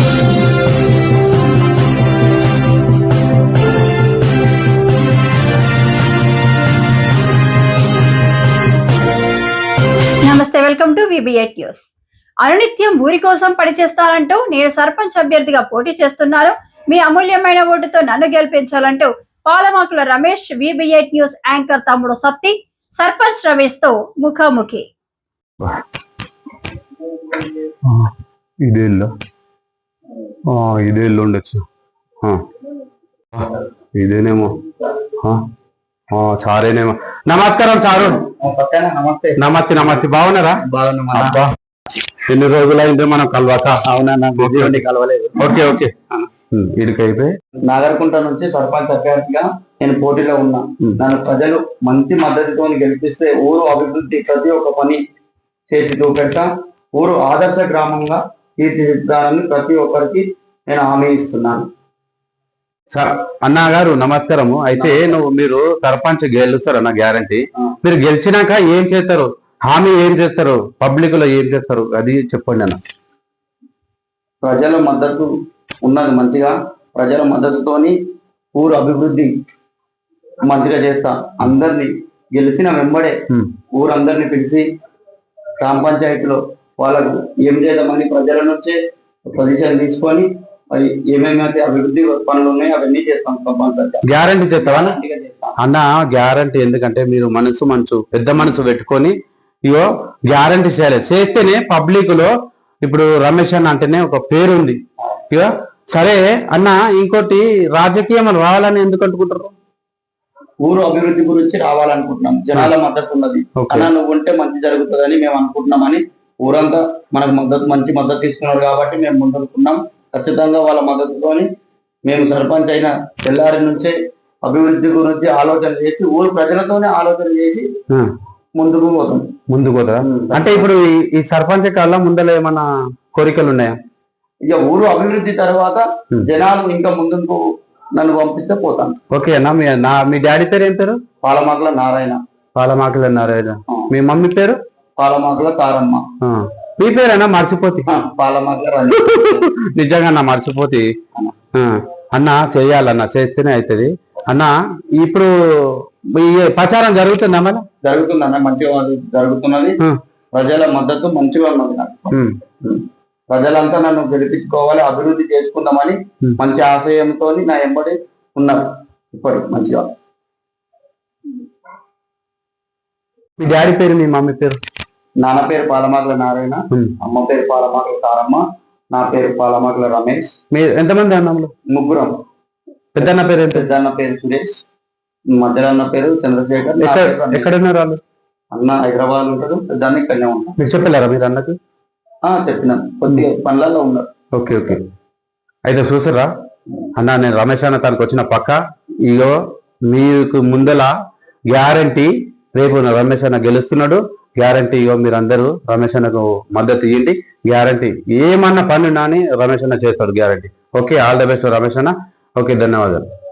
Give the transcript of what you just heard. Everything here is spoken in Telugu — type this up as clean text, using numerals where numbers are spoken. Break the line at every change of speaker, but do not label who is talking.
నమస్తే, వెల్కమ్ టు VB8 న్యూస్. అనునిత్యం ఊరి కోసం పనిచేస్తారంటూ నేను సర్పంచ్ అభ్యర్థిగా పోటీ చేస్తున్నాను, మీ అమూల్యమైన ఓటుతో నన్ను గెలిపించాలంటూ Palamakula Ramesh VB8 news anchor తమ్ముడు సత్తి సర్పంచ్ రమేష్ తో ముఖాముఖి.
ఇదేళ్ళు ఉండొచ్చు, ఇదేనేమో సారేనేమో. నమస్కారం సారు. నమస్తే నమస్తే. బాగున్నారా? బాగున్నా. ఎన్ని రోజులైంది మనం కలవాక?
అవునా, కలవలేదు.
Okay okay. ఇడికైతే
నాగర్కుంట నుంచి సర్పంచ్ అభ్యర్థిగా నేను పోటీలో ఉన్నా. నన్ను ప్రజలు మంచి మద్దతుతో గెలిపిస్తే ఊరు అభివృద్ధి ప్రతి ఒక్క పని చేసి చూపెడతా. ఊరు ఆదర్శ గ్రామంగా తీర్చిదిద్దాలని ప్రతి ఒక్కరికి నేను హామీ ఇస్తున్నాను.
అన్నా గారు నమస్కారము. అయితే మీరు సర్పంచ్ గెలుస్తారు అన్న గ్యారంటీ. మీరు గెలిచినాక ఏం చేస్తారు? హామీ ఏం చేస్తారు? పబ్లిక్ లో ఏం చేస్తారు అది చెప్పండి అన్న.
ప్రజల మద్దతు ఉన్నది మంచిగా, ప్రజల మద్దతుతోని ఊరు అభివృద్ధి మంచిగా చేస్తా. అందరినీ గెలిచిన వెంబడే ఊరందరినీ పిలిచి గ్రామ పంచాయతీలో వాళ్ళకు ఏం చేద్దామని ప్రజల నుంచే సజెషన్ తీసుకొని మరి ఏమేమైతే అభివృద్ధి పనులు ఉన్నాయో అవన్నీ చేస్తాం. కంపల్సరీ
గ్యారంటీ చేస్తావా అన్న? గ్యారంటీ. ఎందుకంటే మీరు పెద్ద మనసు పెట్టుకొని ఇగో గ్యారంటీ చేయాలి. చేస్తేనే పబ్లిక్ లో ఇప్పుడు రమేష్ అన్న అంటేనే ఒక పేరు ఉంది. ఇగో సరే అన్న, ఇంకోటి రాజకీయం రావాలని ఎందుకు అనుకుంటారు?
ఊరు అభివృద్ధి గురించి రావాలనుకుంటున్నాం. జనాల మద్దతు ఉన్నది అన్న, నువ్వు ఉంటే మంచి జరుగుతుందని మేము అనుకుంటున్నామని ఊరంతా మనకు మంచి మద్దతు ఇస్తున్నారు కాబట్టి మేము ముందుకున్నాం. ఖచ్చితంగా వాళ్ళ మద్దతుతోని మేము సర్పంచ్ అయిన తెల్లారి నుంచే అభివృద్ధి గురించి ఆలోచన చేసి ఊరు ప్రజలతోనే ఆలోచన చేసి ముందుకు పోతా.
అంటే ఇప్పుడు ఈ సర్పంచ్ కాలం ముందర ఏమన్నా కోరికలు ఉన్నాయా?
ఇక ఊరు అభివృద్ధి తర్వాత జనాలు ఇంకా ముందుకు నన్ను పంపిస్తే పోతాను.
ఓకే అన్న. మీ డాడీ పేరు ఏం పేరు?
పాలమాకుల నారాయణ.
పాలమాకుల నారాయణ. మీ మమ్మీ పేరు?
పాలమాకుల తారమ్మ.
మీ పేరేనా? మర్చిపోతే
పాలమాకుల
నిజంగా అన్న మర్చిపోతే అన్న చేయాలన్న, చేస్తేనే అవుతుంది అన్న. ఇప్పుడు ఈ ప్రచారం జరుగుతుందా? మన
జరుగుతుందన్న, మంచిగా జరుగుతున్నది. ప్రజల మద్దతు మంచిగా ఉన్నది. ప్రజలంతా నన్ను గెలిపించుకోవాలి, అభివృద్ధి చేసుకుందామని మంచి ఆశయంతో నా ఎంబడి ఉన్నారు. ఇప్పుడు మంచిగా.
మీ డాడీ పేరు, మీ మమ్మీ పేరు?
నాన్న పేరు పాలమాకుల నారాయణ, అమ్మ పేరు పాలమాకుల తారమ్మ, నా పేరు పాలమాకుల రమేష్.
మీరు ఎంతమంది అన్నములు?
ముగ్గురం.
పెద్దన్న పేరు?
పెద్దన్న పేరు సురేష్, మధ్యలో అన్న పేరు చంద్రశేఖర్.
ఎక్కడున్నారు వాళ్ళు?
అన్న హైదరాబాద్ ఉంటాడు, పెద్దన్న ఇక్కడనే ఉంటాడు.
మీరు చెప్పలేరా మీరు అన్నకు?
చెప్పినాను, కొద్దిగా పనులలో ఉన్నారు.
Okay okay. అయితే చూసారా అన్న, నేను రమేష్ అన్న తనకు వచ్చిన పక్క ఇగో మీకు ముందల గ్యారంటీ రేపు రమేష్ అన్న గెలుస్తున్నాడు. గ్యారంటీ ఇగో మీరందరూ రమేష్ అన్నకు మద్దతు ఇవ్వండి. గ్యారంటీ ఏమన్నా పని నాని రమేష్ అన్న చేస్తాడు guarantee. Okay, all the best Ramesh అన్న. ఓకే, ధన్యవాదాలు.